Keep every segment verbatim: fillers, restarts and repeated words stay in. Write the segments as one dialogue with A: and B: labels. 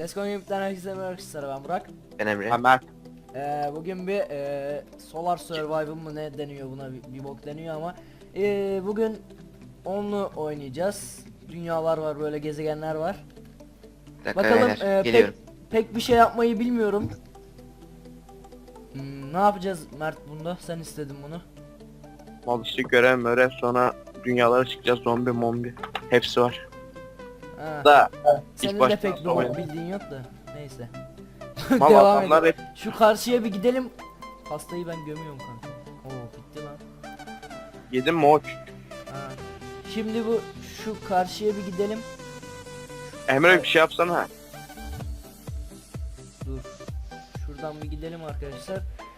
A: Eskon Gaming'den herkese merhaba arkadaşlar, ben Burak.
B: Ben Emre.
C: Ben Mert.
A: Ee, bugün bir e, Solar Survival mı ne deniyor buna, bir, bir bok deniyor ama e, bugün onlu oynayacağız. Dünyalar var, böyle gezegenler var.
B: Bir dakika
A: Bakalım
B: beyler,
A: e, pek,
B: geliyorum.
A: pek bir şey yapmayı bilmiyorum. Hmm, ne yapacağız Mert bunda? Sen istedin bunu.
C: Mal işte görev mörev, sonra dünyalara çıkacağız, zombi mombi. Hepsi var.
A: Ha.
C: Da
A: Senin de
C: başta
A: pek bir
C: oyun.
A: bok bildiğin yok da. Neyse.
C: mal
A: Devam
C: adamlar
A: edelim.
C: hep
A: Şu karşıya bir gidelim. Pastayı ben gömüyorum kanka. Oo bitti lan.
C: yedim moç.
A: Ha. Şimdi bu şu karşıya bir gidelim.
C: Emre bir şey yapsana.
A: Dur. Şuradan bir gidelim arkadaşlar.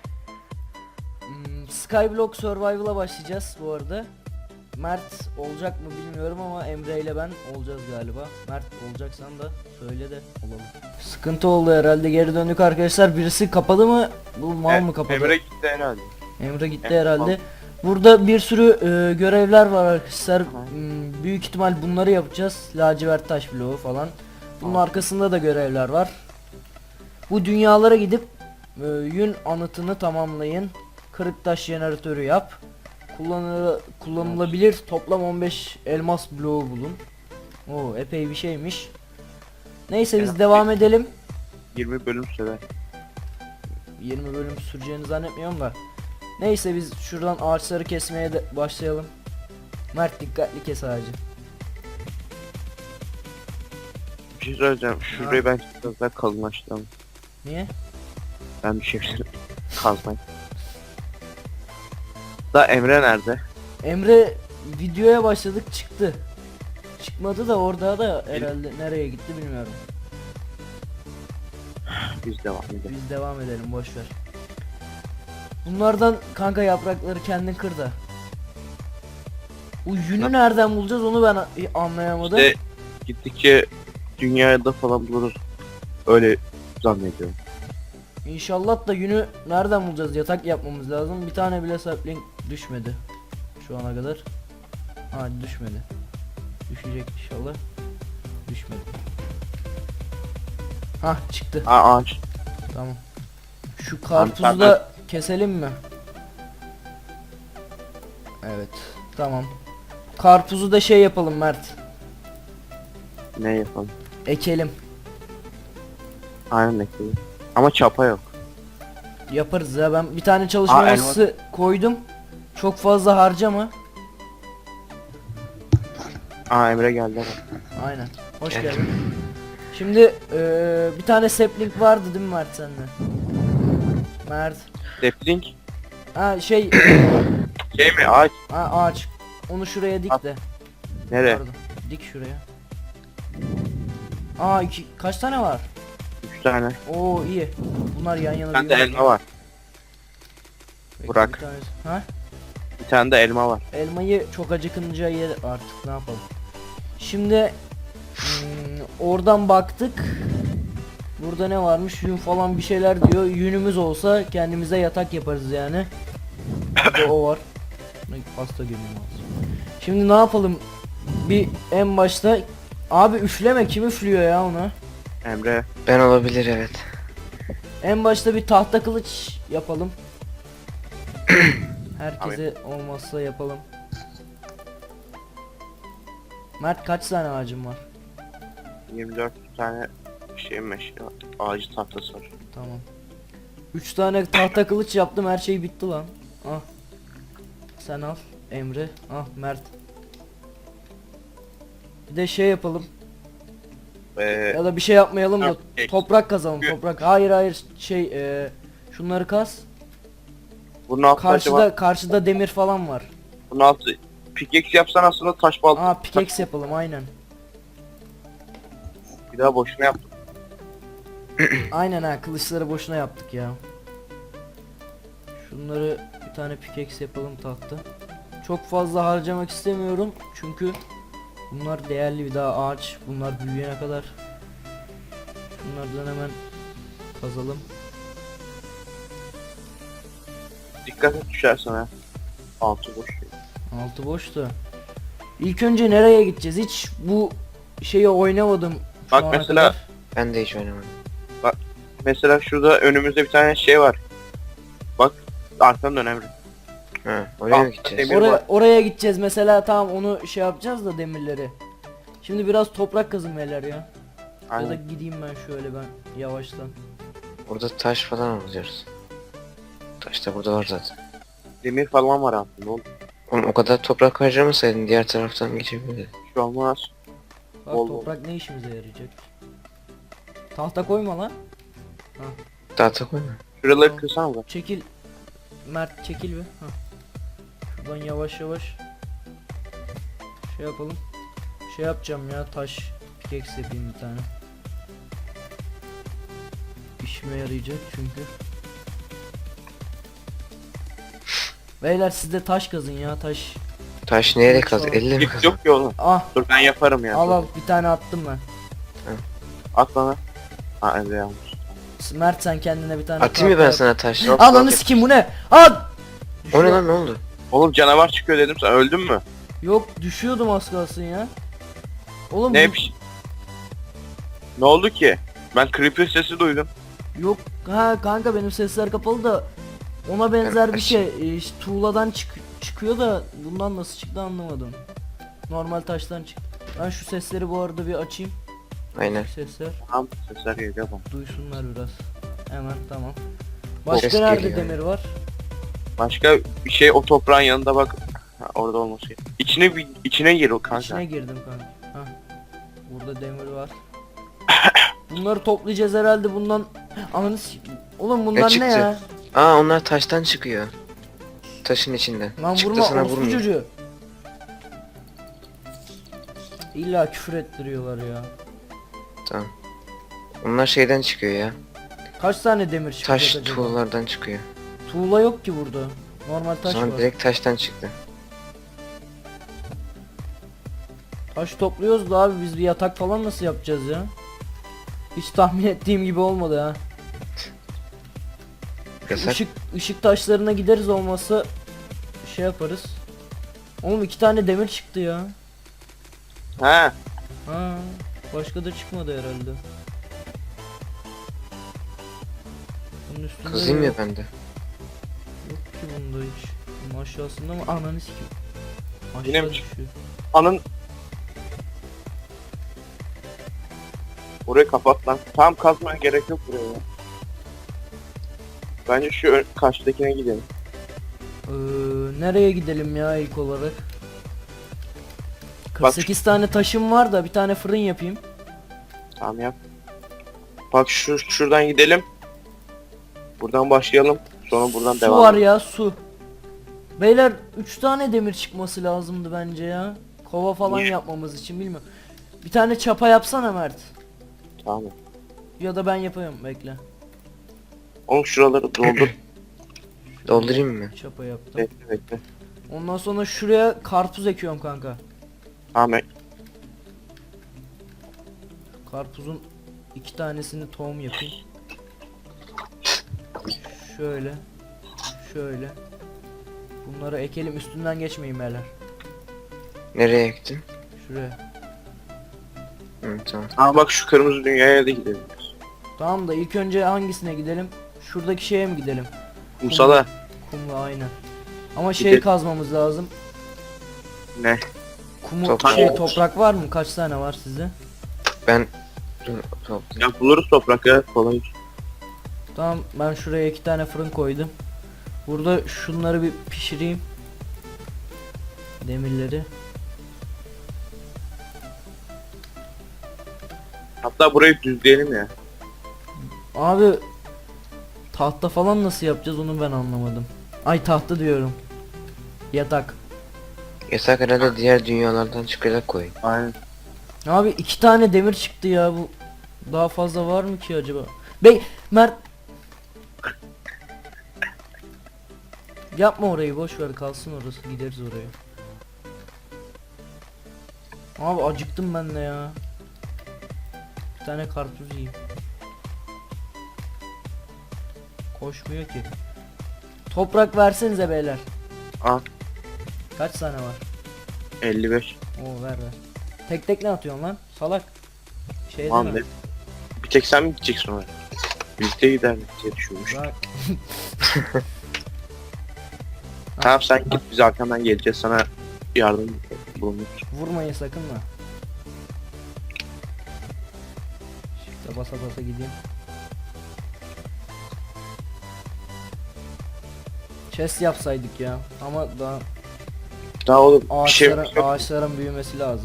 A: Hmm, Skyblock Survival'a başlayacağız bu arada. Mert olacak mı bilmiyorum ama Emre ile ben olacağız galiba. Mert olacaksan da söyle de olalım. Sıkıntı oldu herhalde, geri döndük arkadaşlar. Birisi kapadı mı? Bu mal mı kapadı?
C: Emre gitti herhalde.
A: Emre gitti
C: Emre
A: herhalde.
C: mal.
A: Burada bir sürü e, görevler var arkadaşlar. Hmm, büyük ihtimal bunları yapacağız. Lacivert taş bloğu falan. Bunun arkasında da görevler var. Bu dünyalara gidip e, yün anıtını tamamlayın. Kırık taş jeneratörü yap. Kullanı kullanılabilir toplam on beş elmas bloğu bulun. Oo epey bir şeymiş. Neyse biz
C: Evet.
A: devam edelim.
C: yirmi bölüm sürer.
A: yirmi bölüm süreceğini zannetmiyorum da. Neyse biz şuradan ağaçları kesmeye de başlayalım. Mert dikkatli kes ağacı.
C: Bir şey söyleyeceğim. Şurayı ben biraz daha kalınlaştıralım.
A: Niye?
C: Ben bir şey kazmayı. Da Emre nerede?
A: Emre videoya başladık, çıktı. Çıkmadı da orada da herhalde, nereye gitti bilmiyorum.
C: Biz devam edelim.
A: Biz devam edelim, boş ver. Bunlardan kanka yaprakları kendin kır da. Bu yünü nereden bulacağız onu ben a- anlayamadım.
C: İşte gittikçe dünyada falan buluruz. Öyle zannediyorum.
A: İnşallah da yünü nereden bulacağız? Yatak yapmamız lazım. Bir tane bile sapling düşmedi şu ana kadar. Ha düşmedi. Düşecek inşallah. Düşmedi. Hah çıktı.
C: Aa ağaç.
A: Tamam. Şu karpuzu da keselim mi? Evet. Tamam. Karpuzu da şey yapalım Mert.
C: Ne yapalım?
A: Ekelim.
C: Aynen ekledim. Ama çapa yok.
A: Yaparız ya, ben bir tane çalışma
C: Aa, elma-
A: masası koydum. Çok fazla harcama.
C: Aa Emre geldi bak.
A: Aynen. Hoş
B: Gel.
A: geldin. Şimdi eee, bir tane sapling vardı değil mi Mert sende? Mert.
C: Sapling.
A: Ha şey
C: Şey mi ağaç?
A: ha, ağaç. Onu şuraya dik
C: At.
A: de.
C: Nereye?
A: Pardon. Dik şuraya. Aa iki, kaç tane var?
C: Üç tane.
A: Oo iyi. Bunlar yan yana.
C: Bir tane de
A: büyüyor.
C: elma var.
A: Bekle,
C: Burak.
A: bir tanesi- Ha?
C: Bir tane de elma var.
A: Elmayı çok acıkınca yer artık, ne yapalım. Şimdi hmm, oradan baktık. Burada ne varmış? Yün falan bir şeyler diyor. Yünümüz olsa kendimize yatak yaparız yani. Bir de o var. Ne, pasta gömüyorum lazım. Şimdi ne yapalım? Bir en başta abi üfleme, kim üflüyor ya ona?
C: Emre.
B: Ben olabilir, evet.
A: En başta bir tahta kılıç yapalım. Herkese olmazsa yapalım. Mert kaç tane ağacın var?
C: yirmi dört tane şey meşe ağacı tahtası var.
A: Tamam. üç tane tahta kılıç yaptım, her şey bitti lan. Ah. Sen al Emre. Ah Mert. Bir de şey yapalım.
C: Ee,
A: Ya da bir şey yapmayalım da
C: Yok, ek.
A: toprak kazalım,
C: Yok.
A: toprak. Hayır hayır şey e, şunları kaz.
C: bunun altı acaba,
A: Karşıda karşıda demir falan var.
C: bunun altı pickaxe yapsan aslında taş balta.
A: Aa pickaxe yapalım aynen.
C: Bir daha boşuna yaptım.
A: Aynen ha, kılıçları boşuna yaptık ya. Şunları bir tane pickaxe yapalım, tahta. Çok fazla harcamak istemiyorum çünkü bunlar değerli, bir daha ağaç bunlar büyüyene kadar. Bunlardan hemen kazalım.
C: Dikkat et düşersen ha. Altı boş.
A: Altı boştu. İlk önce nereye gideceğiz? Hiç bu şeyi oynamadım şu
C: Bak
A: ana
C: mesela
A: kadar.
B: Ben de hiç oynamadım.
C: Mesela şurada önümüzde bir tane şey var. Bak arkanın önemli.
B: Ha, oraya
C: Al,
B: mı gideceğiz?
C: demir-
A: Oraya,
C: var.
A: oraya gideceğiz mesela, tamam onu şey yapacağız da demirleri. Şimdi biraz toprak kazın beyler ya. Ya da
C: Aynen.
A: gideyim ben şöyle ben yavaştan.
B: Burada taş falan alıyoruz. Taş da burada var zaten.
C: Demir falan var aslında oğlum.
B: Oğlum o kadar toprak harcamasaydın diğer taraftan geçebilirdin.
C: Bir şey olmaz.
A: Bak
C: Bol bol.
A: toprak ne işimize yarayacak? Tahta koyma lan.
B: Tahta koyma.
C: Şuraları
A: Tamam.
C: kırsana bak.
A: Çekil. Mert çekil bir. Hah. Şuradan yavaş yavaş şey yapalım. Şey yapacağım ya, taş pickaxe yapayım bir tane. İşime yarayacak çünkü. Beyler siz de taş kazın ya, taş.
B: Taş nereye
A: Taş
B: kaz?
A: var.
B: Elle mi
C: Yok,
B: kaz?
C: yok ki oğlum.
A: Ah,
C: Dur ben yaparım ya.
A: al al, bir tane attım ben.
C: At bana. Ha evet yanlış.
A: Mert sen kendine bir tane
B: Atayım mı
A: tahta
B: ben
A: yap.
B: sana taş?
C: Yok.
A: Ananı sikeyim, bu ne? At!
B: O ne lan, ne oldu?
C: Oğlum canavar çıkıyor dedim, sen öldün mü?
A: Yok, düşüyordum az kalsın ya. Oğlum
C: Ne
A: bu-
C: bir şey- Ne oldu ki? Ben creeper sesi duydum.
A: Yok ha kanka, benim sesler kapalı da ona benzer bir
B: Ben-
A: şey. Ee, işte tuğladan çık çıkıyor da bundan nasıl çıktı anlamadım. Normal taştan çıktı. Ben şu sesleri bu arada bir açayım.
B: Aynen.
A: Sesler
C: Tamam sesler geliyor bana.
A: duysunlar biraz. Hemen tamam. Başka
B: Ses
A: nerede
B: geliyor
A: demir var?
C: Başka bir şey o toprağın yanında bak. Ha, orada olması gerekiyor. İçine bir içine gir o kanka.
A: İçine girdim kanka. Hah. Burada demir var. Bunları toplayacağız herhalde bundan. Ananı s- Oğlum bunlar ne
B: çıktı?
A: ya?
B: Aa, onlar taştan çıkıyor. Taşın içinden.
A: Lan
B: Çıktı
A: vurma
B: sana
A: orospu
B: vurmuyor.
A: çocuğu. İlla küfür ettiriyorlar ya.
B: Tamam. Onlar şeyden çıkıyor ya.
A: Kaç tane demir çıkacak
B: Taş
A: acaba?
B: tuğlalardan çıkıyor.
A: Tuğla yok ki burada. Normal taş
B: Sonra
A: var.
B: direkt taştan çıktı.
A: Taş topluyoruz da abi, biz bir yatak falan nasıl yapacağız ya? Hiç tahmin ettiğim gibi olmadı ha. Şu
B: Yasak.
A: Işık, ışık taşlarına gideriz, olmazsa şey yaparız. Oğlum iki tane demir çıktı ya.
C: Ha.
A: Ha, başka da çıkmadı herhalde. Bunun üstünde
B: Kızayım ya
A: yok.
B: ben de.
A: Yok ki bunda hiç. Bunun aşağısında mı? Ananı sikeyim.
C: Yine
A: Aşağı
C: mi çıktı?
A: düşüyor.
C: Anın. Orayı kapat lan. Tam kazmaya gerek yok buraya ya. Bence şu ön- karşıdakine gidelim.
A: Ee, nereye gidelim ya ilk olarak? kırk sekiz tane taşım var da bir tane fırın yapayım.
C: Tamam yap. Bak şu şuradan gidelim. Buradan başlayalım. Sonra buradan
A: Su
C: devam
A: var
C: edelim.
A: ya, su. Beyler üç tane demir çıkması lazımdı bence ya. Kova falan
C: Niye?
A: yapmamız için, bilmiyorum. Bir tane çapa yapsana Mert.
C: Tamam.
A: Ya da ben yapayım, bekle.
C: Oğlum şuraları doldur.
B: Doldurayım mı?
A: Çapa yaptım.
C: bekle bekle.
A: Ondan sonra şuraya karpuz ekiyorum kanka.
C: Tamam. ek-
A: Karpuzun iki tanesini tohum yapayım. Şöyle. Şöyle. Bunları ekelim, üstünden geçmeyin beyler.
B: Nereye ektin?
A: Şuraya.
B: Hı, tamam.
C: Aa bak şu kırmızı dünyaya da gidelim.
A: Tamam da ilk önce hangisine gidelim? Şuradaki şeye mi gidelim?
C: Kumsala.
A: Kumla, aynen. Ama şey
C: Gidelim.
A: kazmamız lazım.
C: Ne?
A: Kumu
B: Toprak.
A: şey, toprak var mı? Kaç tane var sizde?
B: Ben... Dur, toplayayım.
C: Ya buluruz toprak ya kolay.
A: Tamam, ben şuraya iki tane fırın koydum. Burada şunları bir pişireyim. Demirleri.
C: Hatta burayı düzleyelim ya.
A: Abi tahta falan nasıl yapacağız onu ben anlamadım. Ay, tahta diyorum. Yatak.
B: Yasak herhalde diğer dünyalardan çıkacak koy.
C: Aynen.
A: Abi iki tane demir çıktı ya, bu daha fazla var mı ki acaba? Bey Mert, yapma orayı, boş ver kalsın orası, gideriz oraya. Abi acıktım ben de ya. Bir tane karpuz yiyeyim. Koşmuyor ki. Toprak versenize beyler.
C: Al.
A: Kaç tane var?
C: elli beş.
A: Oo, ver ver. Tek tek ne atıyorsun lan? Salak. Şey
C: Tamam
A: deme.
C: be. Bir tek sen mi gideceksin oraya? Birlikte giderdik diye düşünmüş.
A: Bak.
C: Tamam sen git, biz arkandan geleceğiz, sana yardım bulunur.
A: Vurmayın sakın da. Shift'e basa basa gideyim. Chest yapsaydık ya ama daha
C: Daha oğlum bir şey
A: ağaçların,
C: yok.
A: ağaçların büyümesi lazım.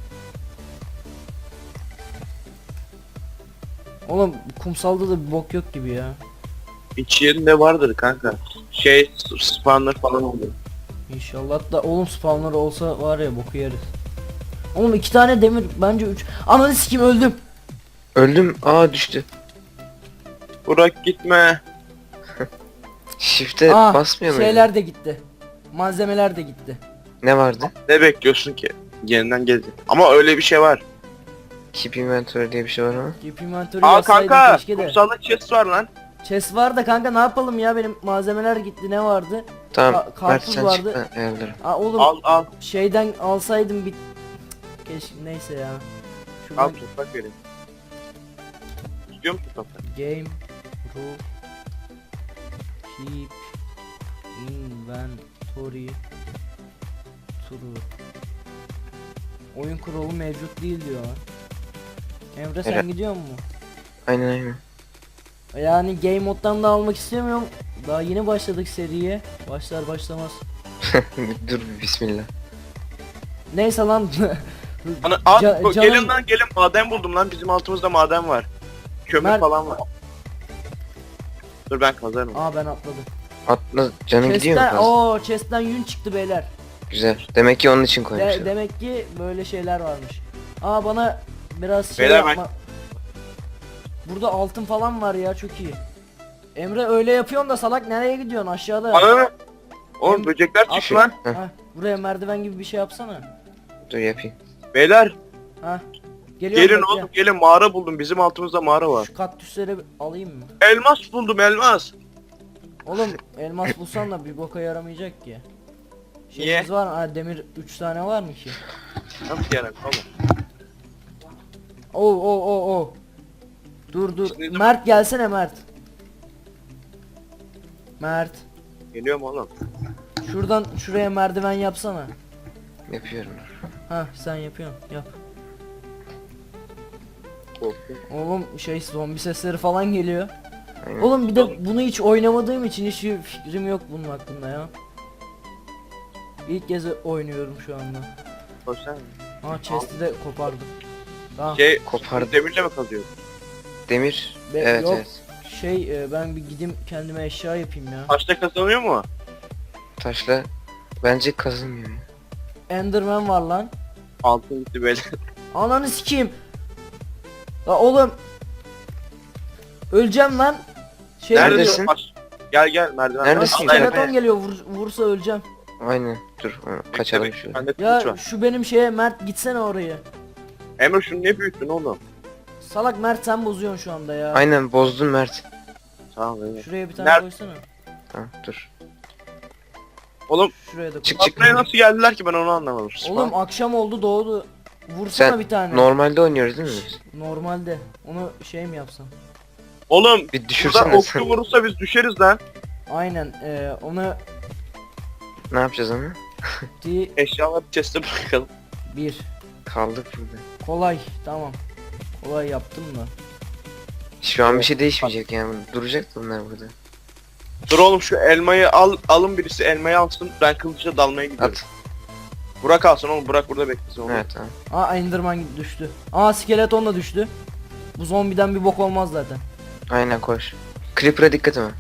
A: Oğlum kumsalda da bir bok yok gibi ya.
C: İç yerinde vardır kanka. Şey spawner falan olur.
A: İnşallah da oğlum spawner olsa var ya boku yeriz. Oğlum iki tane demir bence üç. Ananı sikim öldüm.
B: Öldüm. Aa düştü.
C: Burak gitme.
B: Shift'e
A: Aa,
B: basmıyor muydu?
A: şeyler de gitti. Malzemeler de gitti.
B: Ne vardı?
C: Ne bekliyorsun ki? Yeniden gelecek. Ama öyle bir şey var.
B: Keep inventory diye bir şey var ama.
A: Keep inventory
C: Aa
A: yazsaydım
C: kanka,
A: keşke de.
C: kumsalda chest var lan.
A: Chest var da kanka ne yapalım ya, benim malzemeler gitti, ne vardı?
B: Tamam.
A: Ka-
B: Mert
A: karpuz
B: sen
A: vardı.
B: çık ben ayarlarım.
A: Aa oğlum
C: Al al.
A: şeyden alsaydım bir keşke, neyse ya. Şuradan
C: Al toprak vereyim. İstiyor musun toprak?
A: game rule keep inventory true. Oyun kuralı mevcut değil diyor. Emre sen
B: Evet.
A: gidiyor mu?
B: Aynen aynen.
A: Yani game moddan da almak istemiyorum. Daha yeni başladık seriye. Başlar başlamaz.
B: Dur bir bismillah.
A: Neyse lan.
C: Ana, al,
A: Ca-
C: bu-
A: canım-
C: gelin lan gelin, maden buldum lan, bizim altımızda maden var. Kömür
A: Mert-
C: falan var. Dur ben kazarım.
A: Aa ben atladım.
B: Atla canın gidiyor mu
A: Chest'ten,
B: fazla?
A: ooo chest'ten yün çıktı beyler.
B: Güzel. Demek ki onun için
A: De-
B: koymuşlar.
A: demek ki böyle şeyler varmış. Aa bana biraz şey
C: Beyler ben-
A: yapma. Burada altın falan var ya, çok iyi. Emre öyle yapıyorsun da salak, nereye gidiyorsun aşağıda?
C: Ananı. Oğlum
A: Em-
C: böcekler
A: At-
C: çıktı lan.
B: Heh.
A: Ha, buraya merdiven gibi bir şey yapsana.
B: Dur yapayım.
C: Beyler
A: Ha. Geliyorum,
C: gelin
A: bekle.
C: oğlum gelin, mağara buldum, bizim altımızda mağara var.
A: Şu kaktüsleri bir alayım mı?
C: Elmas buldum, elmas.
A: Oğlum elmas bulsan da bir boka yaramayacak ki.
C: Niye?
A: Şeyimiz var mı? Ha, demir üç tane var mı ki?
C: Nasıl yarar oğlum?
A: Oo oo oo oo. Dur dur.
C: Şimdi-
A: Mert gelsene Mert. Mert.
C: Geliyorum oğlum.
A: Şuradan şuraya merdiven yapsana.
B: Yapıyorum.
A: Ha sen yapıyorsun. Yap.
C: Korktum.
A: Oğlum şey zombi sesleri falan geliyor.
B: Aynen.
A: Oğlum bir de bunu hiç oynamadığım için hiç fikrim yok bunun hakkında ya. İlk kez oynuyorum şu anda.
C: Koşsana.
A: Ha chest'i de kopardım. Tamam.
C: Şey
B: Kopardım.
C: demirle mi kazıyor?
B: Demir.
A: Be-
B: evet
A: yok.
B: evet.
A: Şey e, ben bir gideyim kendime eşya yapayım ya.
C: Taşta kazanıyor mu?
B: Taşla. Bence kazınmıyor ya.
A: Enderman var lan.
C: Altın gitti böyle.
A: Ananı sikeyim. La oğlum. Öleceğim lan. Şey
B: Neredesin?
C: diyor? Taş- Gel gel merdiven.
B: Neredesin?
C: Al, al,
A: Skeleton
C: al.
A: geliyor, vur- vursa öleceğim.
B: Aynen. Dur onu kaçalım
C: Bekle,
B: şöyle.
C: bende kılıç
A: Ya
C: var.
A: şu benim şeye Mert gitsene oraya.
C: Emre şunu ne büyüttün oğlum?
A: Salak Mert sen bozuyorsun şu anda ya.
B: Aynen bozdun Mert.
C: Tamam evet.
A: Şuraya bir tane
C: Nerede?
A: koysana.
B: Tamam dur.
C: Oğlum
A: Şuraya da koy.
B: Çık çık.
C: buraya nasıl geldiler ki, ben onu anlamadım.
A: Oğlum akşam oldu, doğdu. Vursana
B: Sen
A: bir tane.
B: normalde oynuyoruz değil mi biz?
A: Normalde. Onu şey mi yapsam?
C: Oğlum
B: Bir
C: burada
B: düşürsene
C: okçu
B: sen.
C: vurursa biz düşeriz lan.
A: Aynen. E, onu
B: Ne yapacağız onu?
A: di
C: Eşyaları chest'e bırakalım.
A: bir.
B: Kaldık burada.
A: Kolay. Tamam. Kolay yaptım da.
B: Şu an bir şey değişmeyecek yani. Duracak bunlar burada.
C: Dur oğlum şu elmayı al, alın birisi elmayı alsın, ben kılıçla dalmaya gidiyorum.
B: At.
C: Burak alsın oğlum, Burak burada beklesin oğlum.
B: Evet tamam.
A: Aa Enderman düştü. Aa skeleton da düştü. Bu zombiden bir bok olmaz zaten.
B: Aynen koş. Creeper'a dikkat ama.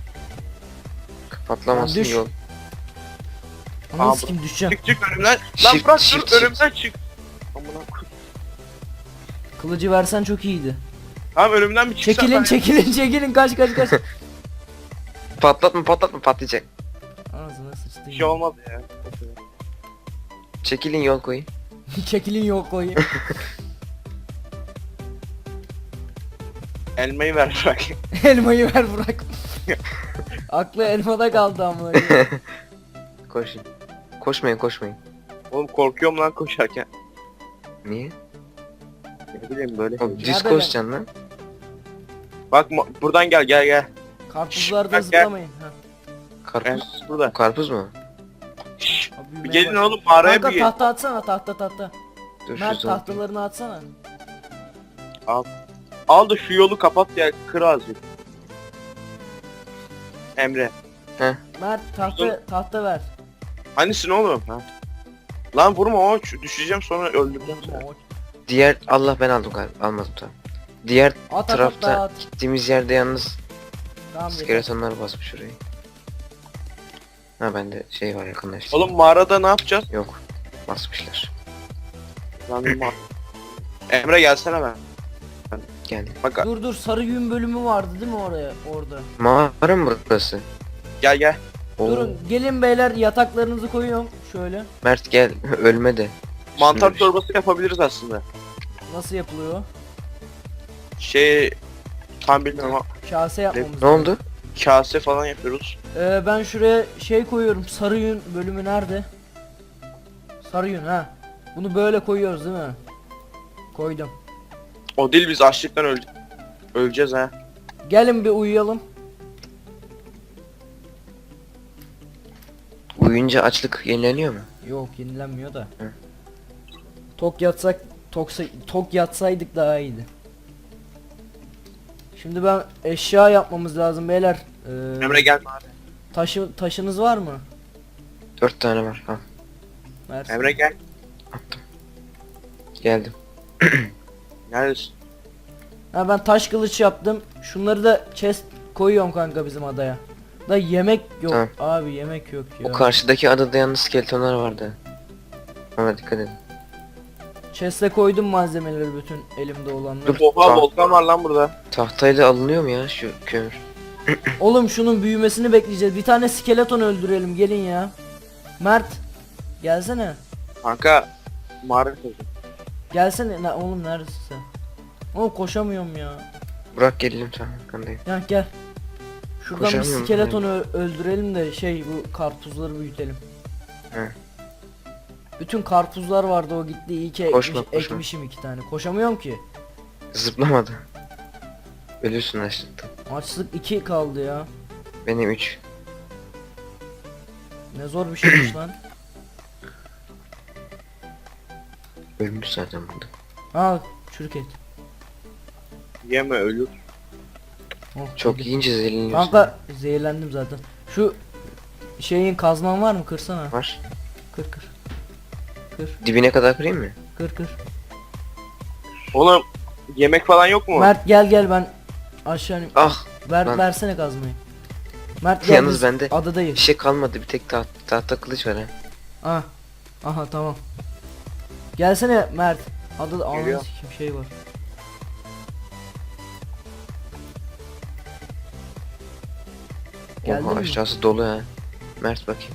B: Patlamasın
A: Ya düş.
B: yol.
A: Ananı
C: Aa,
A: sikim düşeceğim.
C: Çık çık önümden. Lan
B: Shift,
C: bırak
B: shift,
C: dur,
B: shift.
C: önümden çık. Amına koy.
A: Kılıcı versen çok iyiydi.
C: Tamam önümden bir çıksan.
A: Çekilin
C: ben-
A: çekilin çekilin, kaç kaç kaç.
B: Patlatma patlatma patlayacak.
A: Ağzına sıçtı.
C: Bir şey olmaz ya.
B: Çekilin yol koyun.
A: Çekilin yok koyayım.
C: Elmayı ver bırak.
A: Elmayı ver bırak. Aklı elmada kaldı ama.
B: Koşun. Koşmayın koşmayın.
C: Oğlum korkuyorum lan koşarken.
B: Niye?
C: Ne bileyim böyle.
B: O düz
A: Nerede
B: koşacaksın lan.
C: Bak mo- buradan gel gel gel.
A: Karpuzlarda
C: Bak, gel.
A: zıplamayın. Ha.
B: Karpuz.
C: Evet, burada.
B: Karpuz mu?
C: Şşş,
A: Abi
C: bir
A: büyümeye
C: gelin
A: başladı.
C: oğlum mağaraya bir
A: Kanka
C: gelin.
A: tahta atsana, tahta tahta.
B: Dur şu
A: Mert
B: zaman.
A: tahtalarını atsana.
C: Al da şu yolu kapat ya, kır azıcık. Emre.
A: Mert tahta tahta ver.
C: Hanisin oğlum? Ha. Lan vurma o, düşeceğim sonra öldüreceğim seni.
B: Diğer Allah ben aldım galiba. Almadım tamam. Diğer
A: At at at
B: tarafta
A: at.
B: gittiğimiz yerde yalnız
A: Tamam yeter.
B: skeletonlar basmış orayı. Ha bende şey var yakınlaştı.
C: Oğlum mağarada ne yapacağız?
B: Yok. Basmışlar.
C: Lan bir mağara. Emre gelsene ben.
B: Geldim.
C: Bak
A: Dur dur, sarı yün bölümü vardı değil mi oraya orada?
B: Mağara mı burası?
C: gel gel.
B: Oo.
A: Durun gelin beyler, yataklarınızı koyuyorum şöyle.
B: Mert gel ölme de.
C: Mantar
B: Şöyle-
C: çorbası yapabiliriz aslında.
A: Nasıl yapılıyor?
C: Şey tam bilmiyorum ama
A: Kase yapmamız
B: Ne oldu?
C: kase falan yapıyoruz.
A: Ee, ben şuraya şey koyuyorum. Sarı yün bölümü nerede? Sarı yün ha. Bunu böyle koyuyoruz değil mi? Koydum.
C: O değil, biz açlıktan öl öleceğiz ha.
A: Gelin bir uyuyalım.
B: Uyuyunca açlık yenileniyor mu?
A: Yok, yenilenmiyor da.
B: Hı.
A: Tok yatsak, toksa, tok yatsaydık daha iyiydi. Şimdi ben eşya yapmamız lazım beyler. Ee,
C: Emre gel.
A: taşı taşınız var mı?
B: Dört tane var. Ha
A: Mersin.
C: Emre gel.
B: attım. Geldim.
C: Neredesin?
A: Ha, ben taş kılıç yaptım. Şunları da chest koyuyorum kanka bizim adaya. Da yemek yok.
B: Tamam.
A: Abi yemek yok ya.
B: O karşıdaki adada yalnız skeletonlar vardı. Ona dikkat edin.
A: Chest'e koydum malzemeleri, bütün elimde olanları.
B: Dur.
C: Oha
B: Tamam.
C: volkan var lan burada.
B: Tahtayla alınıyor mu ya şu kömür?
A: Oğlum şunun büyümesini bekleyeceğiz. Bir tane skeleton öldürelim, gelin ya. Mert gelsene.
C: Kanka mağara kazın.
A: Gelsene. Ne, oğlum neredesin sen? Oğlum koşamıyorum ya.
B: Burak gelelim tamam arkandayım.
A: Ya gel. Şuradan bir
B: Koşamıyorum,
A: skeletonu ö- öldürelim de şey, bu karpuzları büyütelim.
B: He.
A: Bütün karpuzlar vardı, o gitti, iyi ki
B: Koşma,
A: ekmiş-
B: koşma.
A: ekmişim iki tane. Koşamıyorum ki.
B: Zıplamadı. Ölüyorsun açlıktan.
A: Açlık iki kaldı ya.
B: Benim üç.
A: Ne zor bir şeymiş lan.
B: Ölmüş zaten burada.
A: Ha, çürük et.
C: Yeme ölür.
A: Oh,
B: Çok
A: yedim.
B: yiyince zehirleniyorsun.
A: Kanka zehirlendim zaten. Şu şeyin kazman var mı? Kırsana.
B: Var.
A: Kır kır. Kır
B: Dibine kadar kırayım mı?
A: kır kır.
C: Oğlum yemek falan yok mu?
A: Mert gel gel, ben aşağı ineyim.
B: Ah!
A: Ver
B: lan.
A: versene kazmayı. Mert gel,
B: Yalnız
A: biz
B: bende
A: adadayız.
B: Bir şey kalmadı. Bir tek taht tahta kılıç var ha.
A: Ah. Aha tamam. Gelsene Mert. Adada ananı
C: Geliyor.
A: sikim şey var. Geldin
B: Oha
A: mi?
B: aşağısı dolu ha. Mert bakayım.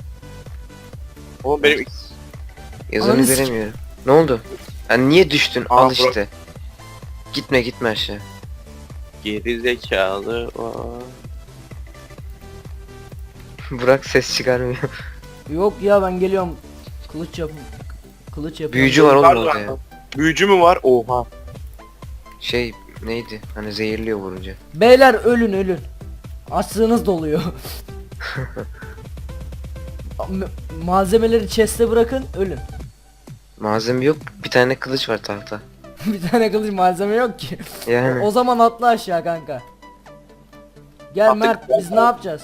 C: Oğlum benim
B: Yazanı
A: Ananı sik-
B: göremiyorum. Ne oldu? Ha, niye düştün?
C: Aa,
B: Al
C: bro.
B: işte. Gitme gitme aşağı.
C: geri zekalı var.
B: Burak ses çıkarmıyor.
A: Yok ya, ben geliyorum. Kılıç yapım. Kılıç yapıyorum.
B: Büyücü var oğlum
C: Var
B: orada
C: lan.
B: ya.
C: Büyücü mü var? Oha.
B: Şey neydi? Hani zehirliyor vurunca.
A: Beyler ölün ölün. Açlığınız doluyor. Ma- Malzemeleri chest'e bırakın, ölün.
B: Malzeme yok. Bir tane kılıç var tahta.
A: Bir tane kılıç malzeme yok ki.
B: Yani.
A: O zaman atla aşağı kanka. Gel
C: Attık.
A: Mert, biz ne yapacağız?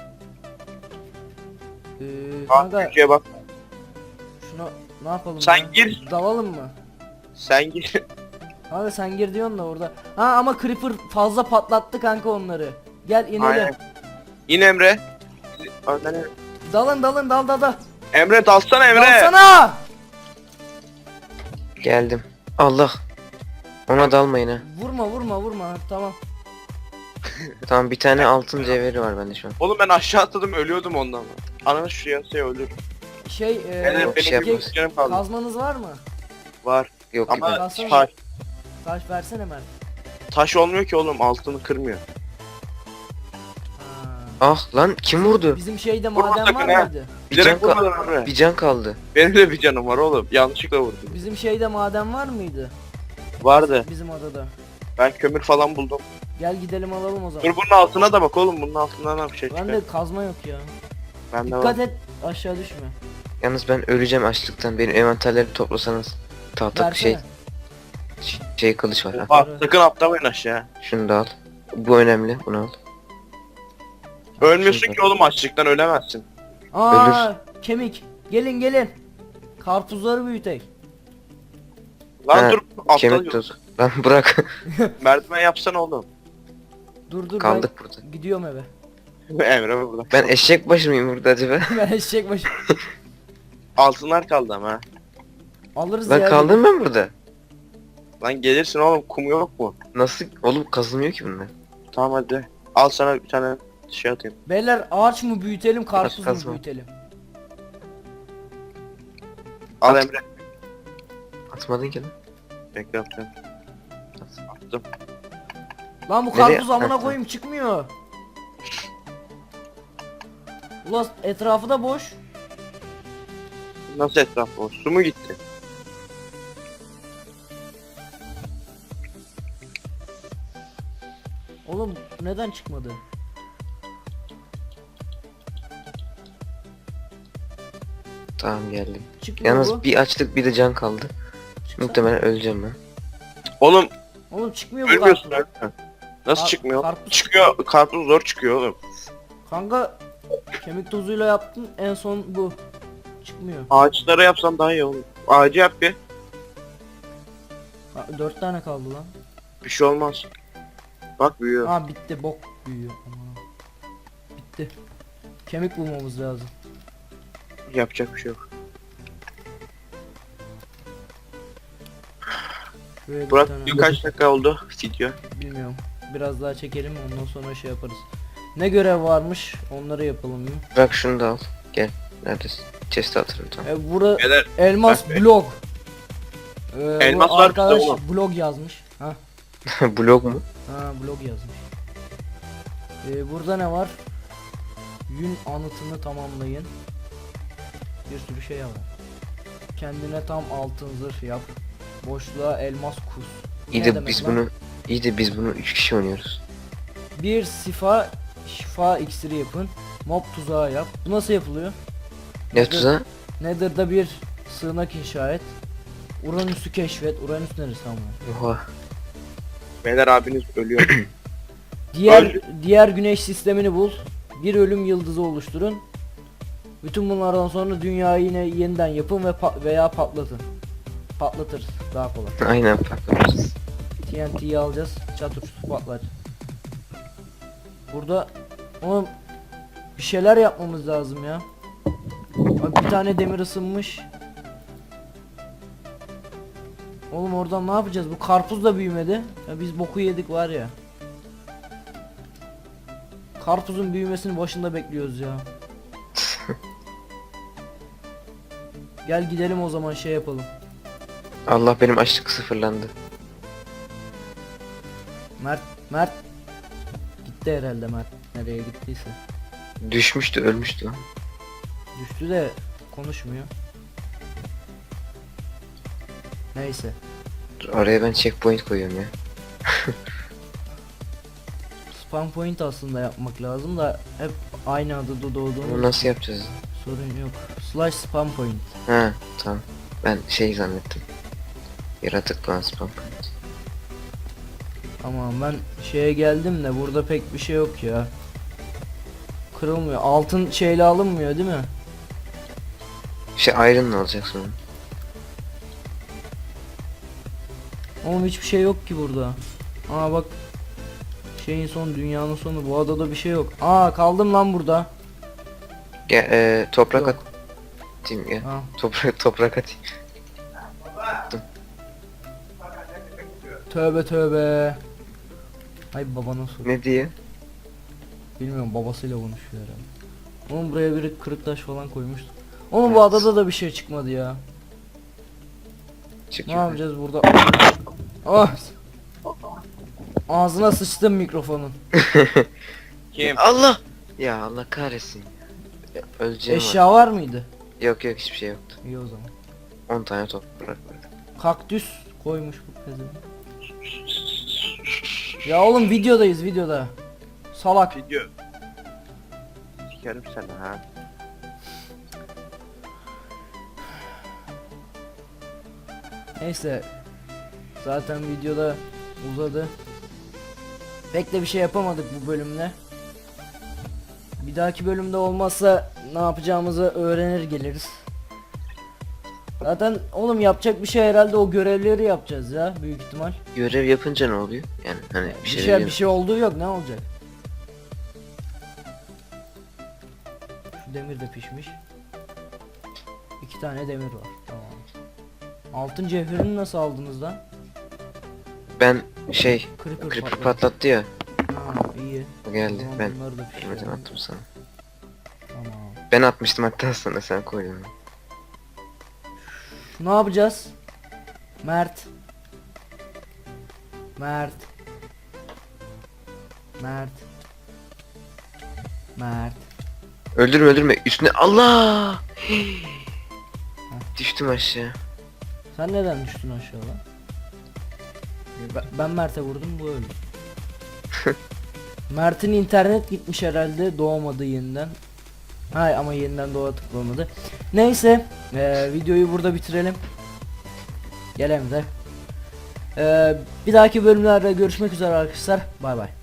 A: Ee,
C: Kanka.
A: kanka
C: Büyücüye bak.
A: şunu ne yapalım
C: Sen
A: ya?
C: gir.
A: Dalalım mı?
C: Sen gir.
A: Kanka sen gir diyorsun da orada. Ha ama Creeper fazla patlattı kanka onları. Gel inelim.
C: Aynen. İn Emre. Önden Emre.
A: Dalın dalın dal dal dal.
C: Emre dalsana Emre.
A: Dalsana!
B: Geldim. Allah. Ona dalmayın ha.
A: Vurma vurma vurma, tamam.
B: Tamam bir tane altın cevheri var bende şu an.
C: Oğlum ben aşağı atladım, ölüyordum ondan. Ananı şuraya şey ölür.
A: Şey
C: Emre
A: e,
B: bir şey
C: benim
B: yapmaz.
C: bir canım kaldı.
A: kazmanız var mı?
C: Var.
B: Yok
C: Ama
B: gibi.
A: Kalsana.
C: taş,
A: Taş versene Mert.
C: taş olmuyor ki oğlum, altını kırmıyor.
A: Ha.
B: Ah lan kim vurdu?
A: Bizim şeyde
C: Vurma
A: maden
C: sakın
A: var
C: ha.
A: mıydı?
B: Bir
C: Direkt
B: can, ka-
C: vurmadım Emre.
B: bir can kaldı.
C: Benim de bir canım var oğlum. Yanlışlıkla vurdum.
A: Bizim şeyde maden var mıydı?
C: Vardı.
A: Bizim adada.
C: Ben kömür falan buldum.
A: Gel gidelim alalım o zaman.
C: Dur bunun altına da bak oğlum, bunun altından da bir şey çıkar.
A: Bende kazma yok ya.
C: Bende var.
A: Dikkat et aşağı düşme.
B: Yalnız ben öleceğim açlıktan. Benim envanterleri toplasanız. Tahta şey
A: Versene.
B: şey kılıç var. Ha.
C: Bak sakın atlamayın aşağı.
B: Şunu da al. Bu önemli. Bunu al.
C: Ölmüyorsun
B: Şunu da-
C: ki oğlum, açlıktan ölemezsin.
A: Aa kemik. Gelin gelin. Karpuzları büyütek.
C: Lan
B: Ha,
C: dur
B: Kemik
C: atla.
B: tozu. Lan bırak.
C: Merdiven yapsana oğlum.
A: Dur dur
B: Kaldık burada.
A: ben gidiyorum eve.
C: Emre burada.
B: Ben eşek başı mıyım burada acaba?
A: Ben eşek başı.
C: Altınlar kaldı ama ha.
A: Alırız
B: Lan
A: ya.
B: kaldım ben burada.
C: Lan gelirsin oğlum, kum yok mu?
B: Nasıl? Oğlum kazılmıyor ki bunlar.
C: Tamam hadi. Al sana bir tane şey atayım.
A: Beyler ağaç mı büyütelim karpuz mu
B: kazma.
A: büyütelim?
C: Al
B: At.
C: Emre.
B: Atmadın ki lan.
C: Bekle atıyorum. Attım.
A: Lan bu
B: Nereye-
A: karpuz amına
B: Ha,
A: koyayım çıkmıyor. Ulan etrafı da boş.
C: Nasıl etraf o? Su mu gitti?
A: Oğlum neden çıkmadı?
B: Tamam geldim.
A: Çıkmıyor
B: Yalnız
A: bu.
B: bir açlık bir de can kaldı.
A: Çıksana.
B: Muhtemelen öleceğim ben.
C: Oğlum
A: Oğlum çıkmıyor bu
C: ölmüyorsun
A: karpuz.
C: ölmüyorsun. Nasıl
A: Kar-
C: çıkmıyor?
A: karpuz
C: Çıkıyor. Karpuz zor çıkıyor oğlum.
A: Kanka kemik tozuyla yaptın en son bu. Çıkmıyor.
C: Ağaçlara yapsan daha iyi olur. Ağacı yap bir.
A: Ha, dört tane kaldı lan.
C: Bir şey olmaz. Bak büyüyor.
A: Ha bitti bok büyüyor. Aman. Bitti. Kemik bulmamız lazım.
C: Yapacak bir şey yok.
A: Şuraya bir
C: Burak
A: tane-
C: birkaç dakika oldu video.
A: Bilmiyorum. Biraz daha çekelim ondan sonra şey yaparız. Ne görev varmış onları yapalım mı?
B: Bırak şunu da al. Gel. Neredesin? Chest'e atarım tamam.
A: E, bura
C: Beyler
A: elmas
C: bak be.
A: blog. Ee,
C: Elmas
A: bu
C: var
A: arkadaş
C: bizde oğlum.
A: blog yazmış. Ha,
B: Blog mu?
A: ha blog yazmış. Ee, burada ne var? Yün anıtını tamamlayın. Bir sürü şey var. Kendine tam altın zırh yap. Boşluğa elmas kus.
B: İyi
A: Ne
B: de
A: demek
B: biz
A: lan?
B: bunu iyi de biz bunu üç kişi oynuyoruz.
A: Bir sifa şifa iksiri yapın. Mob tuzağı yap. Bu nasıl yapılıyor?
B: Ne
A: Nether-
B: tuzağı?
A: Nether'da bir sığınak inşa et. Uranüs'ü keşfet. Uranüs neresi ama?
B: Oha.
C: Beyler abiniz ölüyor.
A: Diğer
C: Öldü.
A: diğer güneş sistemini bul. Bir ölüm yıldızı oluşturun. Bütün bunlardan sonra dünyayı yine yeniden yapın ve pa- veya patlatın. Patlatırız daha kolay.
B: Aynen patlamışız.
A: T N T'yi alacağız. Çatır çutur patlar. Burada oğlum bir şeyler yapmamız lazım ya. Bak bir tane demir ısınmış. Oğlum oradan ne yapacağız? Bu karpuz da büyümedi. Ya biz boku yedik var ya. Karpuzun büyümesini başında bekliyoruz ya. Gel gidelim o zaman şey yapalım.
B: Allah benim açlık sıfırlandı.
A: Mert, Mert gitti herhalde Mert. Nereye gittiyse.
B: Düşmüştü, ölmüştü lan.
A: Düştü de konuşmuyor. Neyse.
B: Dur, oraya ben checkpoint koyuyorum ya.
A: Spawn point aslında yapmak lazım da hep aynı adada
B: Bunu
A: doğduğumuz
B: nasıl yapacağız?
A: sorun yok. Slash spawn point.
B: Ha tamam. Ben şey zannettim. Yaratık lan spam.
A: Tamam ben şeye geldim de burada pek bir şey yok ya. Kırılmıyor. Altın şeyle alınmıyor değil mi?
B: Şey iron alacak sonra.
A: Oğlum hiçbir şey yok ki burada. Aa bak. Şeyin sonu dünyanın sonu bu adada bir şey yok. Aa kaldım lan burada.
B: Gel e, toprak
A: Yok.
B: atayım gel.
A: Ha.
B: Toprak toprak atayım.
A: Tövbe tövbe. Ay babana sor.
B: Ne diye?
A: Bilmiyorum babasıyla konuşuyor herhalde. Oğlum buraya biri kırık taş falan koymuştu. Oğlum bu adada da bir şey çıkmadı ya.
B: Çık
A: Ne
B: yukarı.
A: yapacağız burada? Ah! Ağzına sıçtım mikrofonun.
C: Kim?
B: Allah! Ya Allah kahretsin. Ya, Öleceğim var.
A: Eşya var mıydı?
B: Yok yok hiçbir şey yoktu.
A: İyi o zaman.
B: on tane toprak var.
A: Kaktüs koymuş bu pezevenk. Ya oğlum videodayız videoda. Salak.
C: Video. Sikerim seni ha.
A: Neyse. Zaten videoda uzadı. Pek de bir şey yapamadık bu bölümde. Bir dahaki bölümde olmazsa ne yapacağımızı öğrenir geliriz. Zaten oğlum yapacak bir şey herhalde o görevleri yapacağız ya büyük ihtimal.
B: Görev yapınca ne oluyor? Yani hani bir
A: Bir
B: şey,
A: şey bir şey olduğu yok, ne olacak? Şu demir de pişmiş. İki tane demir var. Tamam. Altın cevherini nasıl aldınız lan?
B: Ben şey
A: Creeper,
B: creeper
A: patladı.
B: patlattı ya.
A: Ha, iyi.
B: O geldi.
A: Tamam,
B: Ben
A: bunları da pişirelim.
B: bilmeden attım sana.
A: Tamam.
B: Ben atmıştım hatta sana, sen koydun.
A: Ne yapacağız? Mert. Mert. Mert. Mert.
B: Öldürme öldürme üstüne, Allah! Düştüm aşağı.
A: Sen neden düştün aşağıda? Ben, ben Mert'e vurdum, bu öldü. Mert'in internet gitmiş herhalde, doğmadı yeniden. Hay ama yeniden doğa tıklamadı. Neyse, eee, videoyu burada bitirelim. Gel Emre. Eee bir dahaki bölümlerde görüşmek üzere arkadaşlar. Bay bay.